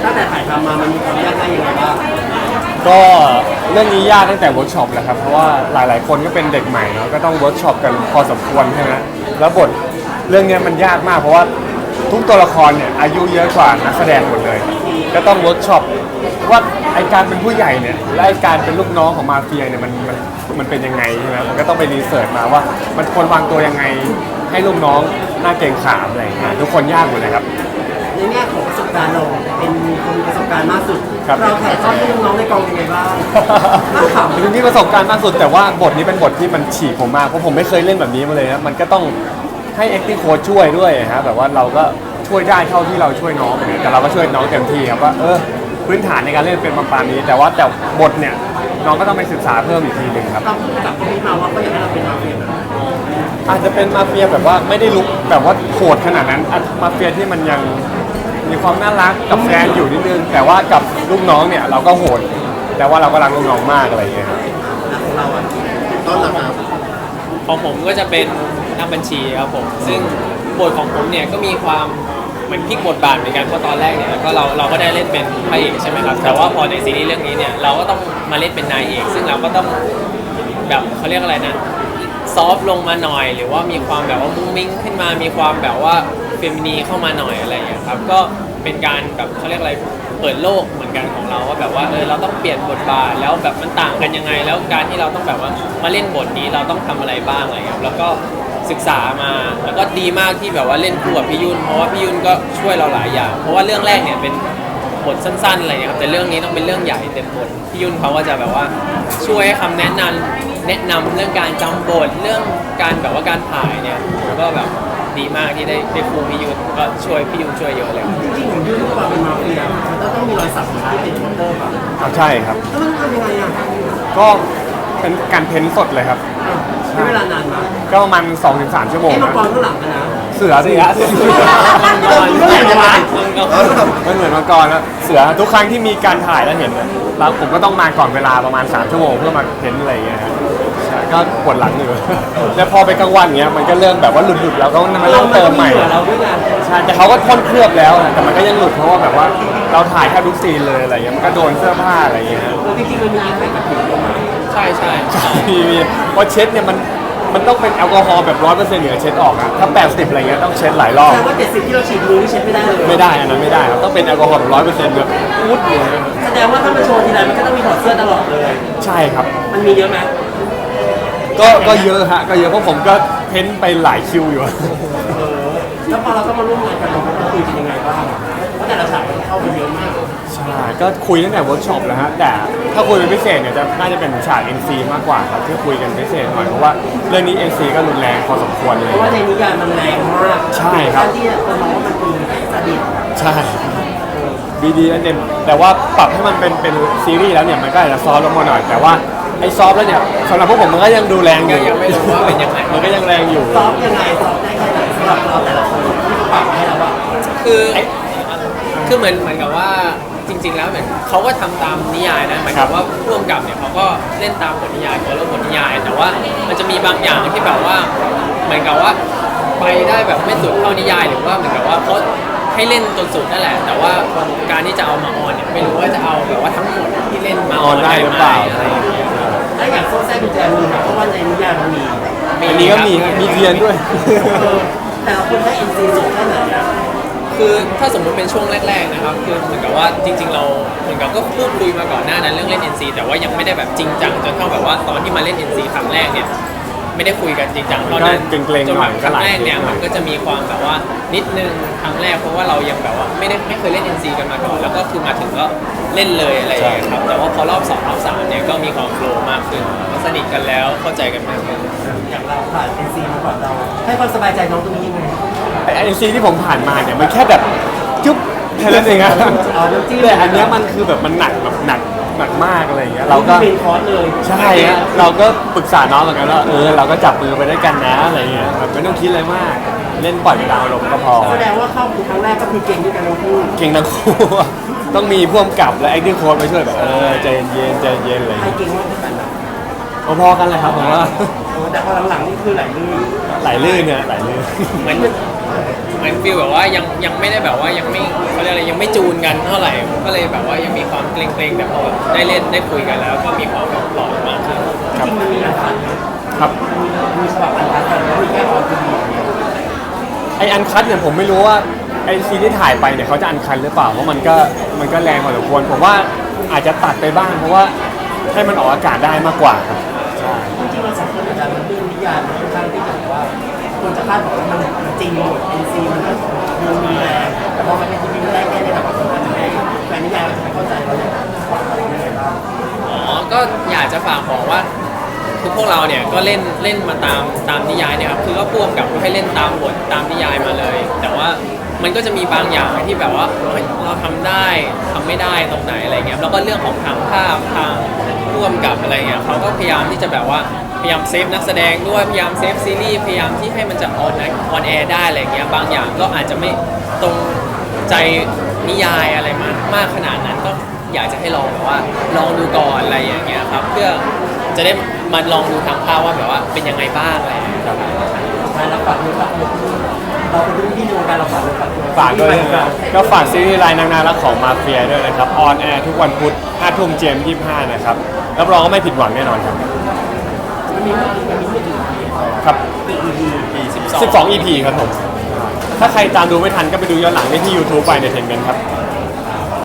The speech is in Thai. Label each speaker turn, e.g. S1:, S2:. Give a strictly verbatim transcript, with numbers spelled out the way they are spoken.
S1: ตั้งแต่ถ่ายทำมามันมีความยากง่ายยังไงบ้าง
S2: ก็เรื่องนี้ยากตั้งแต่เวิร์กช็อปแหละครับเพราะว่าหลายๆคนก็เป็นเด็กใหม่เนาะก็ต้องเวิร์กช็อปกันพอสมควรใช่ไหมแล้วบทเรื่องนี้มันยากมากเพราะว่าทุกตัวละครเนี่ยอายุเยอะกว่านักแสดงหมดเลย ก็ต้องเวิร์กช็อปว่าไอการเป็นผู้ใหญ่เนี่ยและไอการเป็นลูกน้องของมาเฟียเนี่ยมันมันมันเป็นยังไงใช่ไหมมันก็ต้องไปรีเสิร์ชมาว่ามันควรวางตัวยังไงให้ลูกน้องหน้าเกรงขามอะไรอย่างเงี้ยทุกคนยากหมดเลยครับ
S1: ในแง่ของประสบการณ์เราเป็นคนมีประสบการณ์มากสุด
S2: ครับ
S1: เราถ่ายทอดให้น้องๆในกองยังไงบ้างน่าขำ
S2: จริงๆประสบการณ์มากสุดแต่ว่าบทนี้เป็นบทที่มันฉีกผมมากเพราะผมไม่เคยเล่นแบบนี้มาเลยนะมันก็ต้องให้ acting coach ช่วยด้วยฮะแบบว่าเราก็ช่วยได้เท่าที่เราช่วยน้องเหมือนกันแต่เราก็ช่วยน้องเต็มที่ครับว่าเออพื้นฐานในการเล่นเป็นประมาณนี้ แต่ว่าแต่บทเนี่ยน้องก็ต้องไปศึกษาเพิ่มอีกทีหนึ่งครับ
S1: เราพูดกับคนนี้มาว่าเขาอยากให้เราเป็นมาเฟียแบบ
S2: อาจจะเป็นมาเฟียแบบว่าไม่ได้ลุกแบบว่าโหดขนาดนั้นอ่ะมาเฟียที่มันยังมีความน่ารักกับแฟนอยู่นิดนึงแต่ว่ากับลูกน้องเนี่ยเราก็โหดแต่ว่าเราก็รักลูกน้องมากอะไรอย่างเงี้ยครับ
S1: นะของเราอ่ะต้นหลักครับ
S3: ของผมก็จะเป็นนักบัญชีครับผมซึ่งบทของผมเนี่ยก็มีความเหมือนพลิกบทบาทเหมือนกันเพราะตอนแรกเนี่ยก็เราเราก็ได้เล่นเป็นพระเอกใช่ไหมครับแต่ว่าพอในซีรีส์เรื่องนี้เนี่ยเราก็ต้องมาเล่นเป็นนายเอกซึ่งเราก็ต้องแบบเขาเรียกอะไรนะซอฟต์ลงมาหน่อยหรือว่ามีความแบบว่ามุ้งมิ้งขึ้นมามีความแบบว่าเฟมินีเข้ามาหน่อยอะไรอย่างเงี้ยครับก็เป็นการแบบเขาเรียกอะไรเปิดโลกเหมือนกันของเราว่าแบบว่าเออเราต้องเปลี่ยนบทบาทแล้วแบบมันต่างกันยังไง แล้วการที่เราต้องแบบว่ามาเล่นบทนี้เราต้องทำอะไรบ้างอะไรเงี้ยแล้วก็ศึกษามาแล้วก็ดีมากที่แบบว่าเล่นคู่กับพี่ยุ่นเพราะว่าพี่ยุ่นก็ช่วยเราหลายอย่างเพราะว่าเรื่องแรกเนี่ยเป็นบทสั้นๆอะไรเงี้ยครับแต่เรื่องนี้ต้องเป็นเรื่องใหญ่เต็มบทพี่ยุ่นเขาก็จะแบบว่าช่วยให้คำแนะนำแนะนำเรื่องการจำบทเรื่องการแบบว่าการถ่ายเนี่ยก็แบบดีมากที่ได้ได้ครูพี่ยุ่นก็ช่วยพี่ยุ่นช่วยเยอะเลย
S1: จริงๆผมยื่นความเป็นมาเฟียมันต้องต้องมีรอยสักที่เป็นมอเตอร์แบบ
S2: ครับใช่ครับ
S1: แล้วมันทำยังไงอ่ะ
S2: ก็เป็นการเพ้นท์สดเลยครับ
S1: ใช้เวลานานมาก
S2: ก็ประมาณ สองถึงสาม ชั่วโมง
S1: ไอ้มัง
S2: นะ
S1: กรข้างหลังกันนะ
S2: เสือสิฮะ
S1: เมื่อไหร่จะมา
S2: มันเหมือนมังกรนะเสือทุกครั้งที่มีการถ่ายแล้วเห็นนะแล้วผมก็ต้องมาก่อนเวลาประมาณสามชั่วโมงเพื่อมาเพ้นท์อะไรอย่างเงี้ยฮะใช่ก็ปวดหลังอยู่ แล้วพอไปกลางวันเงี้ยมันก็เริ่มแบบว่าหลุดๆแล้วก็มาเริ่มเติมใหม่
S1: เราด้วยกัน
S2: ใช่แต่เขาก็พ่นเคลือบแล้วนะแต่มันก็ยังหลุดเพราะว่าแบบว่าเราถ่ายแค่ทุกซีนเลยอะไรเงี้ยมันก็โดนเสื้อผ้าอะไรเงี้ย
S1: แล้วจริงๆมันมีใครกับผิวลงมา
S3: ใช่ใช่
S2: มีมีเพราะเช็ดเนี่ยมันมันต้องเป็นแอลกอฮอล์แบบร้อยเปอร์เซ็นต์เหนือเช็ดออกอะถ้าแปดสิบอะไรเงี้ยต้องเช็ดหลายรอบ
S1: แสดงว่าเจ็ดสิบที่เราฉีดมือนี่เช็ดไม่ได้เลย
S2: ไม่ได้อันนั้นไม่ได้ครับต้องเป็นแอลกอฮอล์แบบร้อยเปอร์เซ็นต์แบบพูดเลย
S1: แสดงว่าถ้ามันโชว์ทีไรมันก็ต้องมีถอดเสื้อตลอดเลย
S2: ใช่ครับ
S1: มันมีเยอะไหม
S2: ก็ก็เยอะฮะก็เยอะเพราะผมก็เพ้นไปหลายคิวอยู่
S1: เออแล้วพอเราต้องมาร่วมงานกันเราต้องคุยกันยังไงบ้างเพราะแต่ละฉากมันเข้ากันเยอะมาก
S2: ใช่ก็คุยตั้งแต่เวิร์กช็อปแล้วฮะแต่ถ้าคุยเป็นพิเศษเนี่ยจะน่าจะเป็นฉาก เอ็น ซี มากกว่าครับที่คุยกันพิเศษหน่อยเพราะว่าเรื่องนี้ เอ็น ซี ก็รุนแรงพอสมควรเล
S1: เพ
S2: ย
S1: ราะว่าในนิยายมันแรงมาก
S2: ใช่ครับ
S1: ที่คนมองว่ามันคือสดิต
S2: ใช่บีดีนั่นเองแต่ว่าปรับให้มันเป็นเป็นซีรีส์แล้วเนี่ยมันก็อาจจะซอฟต์ลงมาหน่อย แต่ว่าไอ้ซอฟต์แล้วเนี่ยสำหรับพวกผมมันก็ยังดูแรงอ
S3: ก็
S2: ยู่
S3: ยังไม่รู้ว่าเป็นยังไง
S2: มันก็ยังแรงอยู่
S1: ซอฟต์ยังไงซอฟต์ได้แค่ไหนสำหรับเราแต่ละคนที่เขาปรับให้เราว่า
S3: คือคือเหมือนเหมือนกับว่าจริง ๆ แล้วเหมือนเขาก็ทำตามนิยายนะหมาย
S2: ครั
S3: ถึ
S2: บ
S3: งว่าร่วมกับเนี่ยเขาก็เล่นตามบทนิยายเขาเล่าบทนิยาย แต่ว่ามันจะมีบางอย่างที่แบบว่าเหมือนกับว่าไปได้แบบไม่สุดเท่านิยายหรือว่าเหมือนกับว่าเขาให้เล่นจนสุดนั่นแหละ แต่ว่าการที่จะเอามาออนเนี่ยไม่รู้ว่าจะเอาแบบว่าทั้งหมดที่เล่นมา
S2: ออนได้หรือเปล่า
S3: อะไรอย่างเงี้ย
S1: ถ้าอยากโซ่แทรกกุญแจมือเพราะว่าในนิยายมันมี
S2: อันนี้ก็มีฮะมีเทียนด้วย
S1: เออแต่ละคนได้เอ็นซีสูงแค่ไหนอะ
S3: คือถ้าสมมุติเป็นช่วงแรกๆนะครับคือเหมือนกับว่าจริง ๆ เราเหมือนกับก็พูดคุยมาก่อนหน้านั้นเรื่องเล่น เอ็น ซี แต่ว่ายังไม่ได้แบบจริงจังจนเท่าแบบว่าตอนที่มาเล่น เอ็น ซี ครั้งแรกเนี่ยไม่ได้คุยกันจริงจังตอนนั้น
S2: ก็เกรงๆ
S3: จน
S2: หน่
S3: แบ
S2: อย
S3: บค
S2: ก็
S3: รั้
S2: หลาย
S3: งแรกเนี่ย
S2: หน่
S3: มั
S2: อย
S3: นก็จะมีความแบบว่านิดนึงครั้งแรกเพราะว่าเรายังแบบว่าไม่ได้ไม่เคยเล่น เอ็น ซี กันมาก่อนแล้วก็คือมาถึงก็เล่นเลยอะไรอย่างเงี้ยครับแต่ว่าพอรอบสองรอบสามเนี่ยก็มีความโฟลว์มากขึ้นก็สนิทกันแล้วเข้าใจกันมากขึ้น
S1: อย่างเราผ่านเอ็นซีมาก่อนเราให้ความสบายใจน้องตรงนี้ยังไง
S2: ไอเอ็นซีที่ผมผ่านมาเนี่ยมันแค่แบบจุ๊บแค่นั้นเองอะ
S1: อ๋อน้ำจิ้ม
S2: แต่อันเนี้ยมันคือแบบมันหนักแบบหนักหนักมากอะไรอย่างเงี้ยเราก็
S1: เป็นคอร์สเลย
S2: ใช่ฮะเราก็ปรึกษาน้องเหมือนกันว่าเออเราก็จับมือไปด้วยกันนะอะไรเงี้ยแบบไม่ต้องคิดอะไรมากเล่นปล่อยไปตามอารมณ์ก็พอ
S1: แสดงว่าเข้าคือครั้งแรกก็คือเก่งด้วยกันทั้งคู่
S2: เก่งทั้งคู่ ต้องมีพ่วงกับและ acting coach มาช่วยแบบเออใจเย็นใจเย็นอะไร
S1: ใคร
S2: เงี้ย
S1: เก่งมากกว่ากันอะ
S2: พอๆกันเลยครับผมว่า
S1: โอ้แต่พอหลังๆนี่คือไหลลื่น
S2: ไหลลื่นเนี่ยไหลลื่น
S3: เหมือนเหมือนฟีลแบบว่ายังยังไม่ได้แบบว่ายังไม่เขาเรียกอะไรยังไม่จูนกันเท่าไหร่ก็เลยแบบว่ายังมีความเกรงๆแต่พอแบบได้เล่นได้คุยกันแล้วก็มีความแบบหล่อมากขึ้น
S1: จริงๆมันมีอันคัดนะครับ มีฉบับอันคัดกันแล้วมีแค่ออนทีวีอย่างเดียว
S2: ไออันคัดเนี่ยผมไม่รู้ว่าไอซีนที่ถ่ายไปเนี่ยเขาจะอันคัดหรือเปล่าเพราะมันก็มันก็แรงพอสมควรผมว่าอาจจะตัดไปบ้างเพราะว่าให้มันออกอากาศได้มากกว่าครับ
S1: จริงๆมันสองคนอาจารย์มันเรื่องนิยายมันค่อนข้างที่จะแบบว่าคนจะคาดหวังว่ามันมันจริงหมด เอ็น ซี มันก็ดูมีแรงแต่พอมันเป็นทีวีแรกแค่ในแบบว่าคนอาจจะไม่แฟนนิยายเราจะไม่เข้าใจเราอยากฝากอะไรยังไงบ้าง
S3: อ๋อ ก็อยากจะฝากบอกว่าคือพวกเราเนี่ยก็เล่นเล่นมาตามตามนิยายเนี่ยครับคือก็พ่วงกับให้เล่นตามบทตามนิยายมาเลย แต่ว่ามันก็จะมีบางอย่างที่แบบว่าเฮ้ยเราทำได้ทำไม่ได้ตรงไหนอะไรเงี้ยแล้วก็เรื่องของทางภาพทางร่วมกับอะไรเงี้ยเขาก็พยายามที่จะแบบว่าพยายามเซฟนักแสดงด้วยพยายามเซฟซีรีส์พยายามที่ให้มันจะออนออนแอร์ได้อะไรเงี้ยบางอย่างก็อาจจะไม่ตรงใจนิยายอะไรมากมากขนาดนั้นก็อยากจะให้ลองแบบว่าลองดูก่อนอะไรอย่างเงี้ยครับเพื่อจะได้มาลองดูทางภาพว่าแบบว่าเป็นยังไงบ้างอะไรอย่างเงี้ยครับ
S1: สุดท้ายเราฝากด้วยฝากด้วยเราเป็นรุ่นพี่ในวงการเราฝากด้วยฝากด้วย
S2: ฝากด้วยนะครับก็ฝากซีรีส์รายนางนารักของมาเฟียด้วยนะครับออนแอร์ทุกวันพุธห้าทุ่มเจมยี่สิบห้านะครับรับรองว่าไม่ผิดหวังแน่นอนครับ
S1: มันมีมันมีไม่ถึง
S2: ครับ
S3: สิบสอง
S2: สิบสอง อี พี ครับผมถ้าใครตามดูไม่ทันก็ไปดูย้อนหลังได้ที่ YouTube ไปในเทนเมนต์ครับ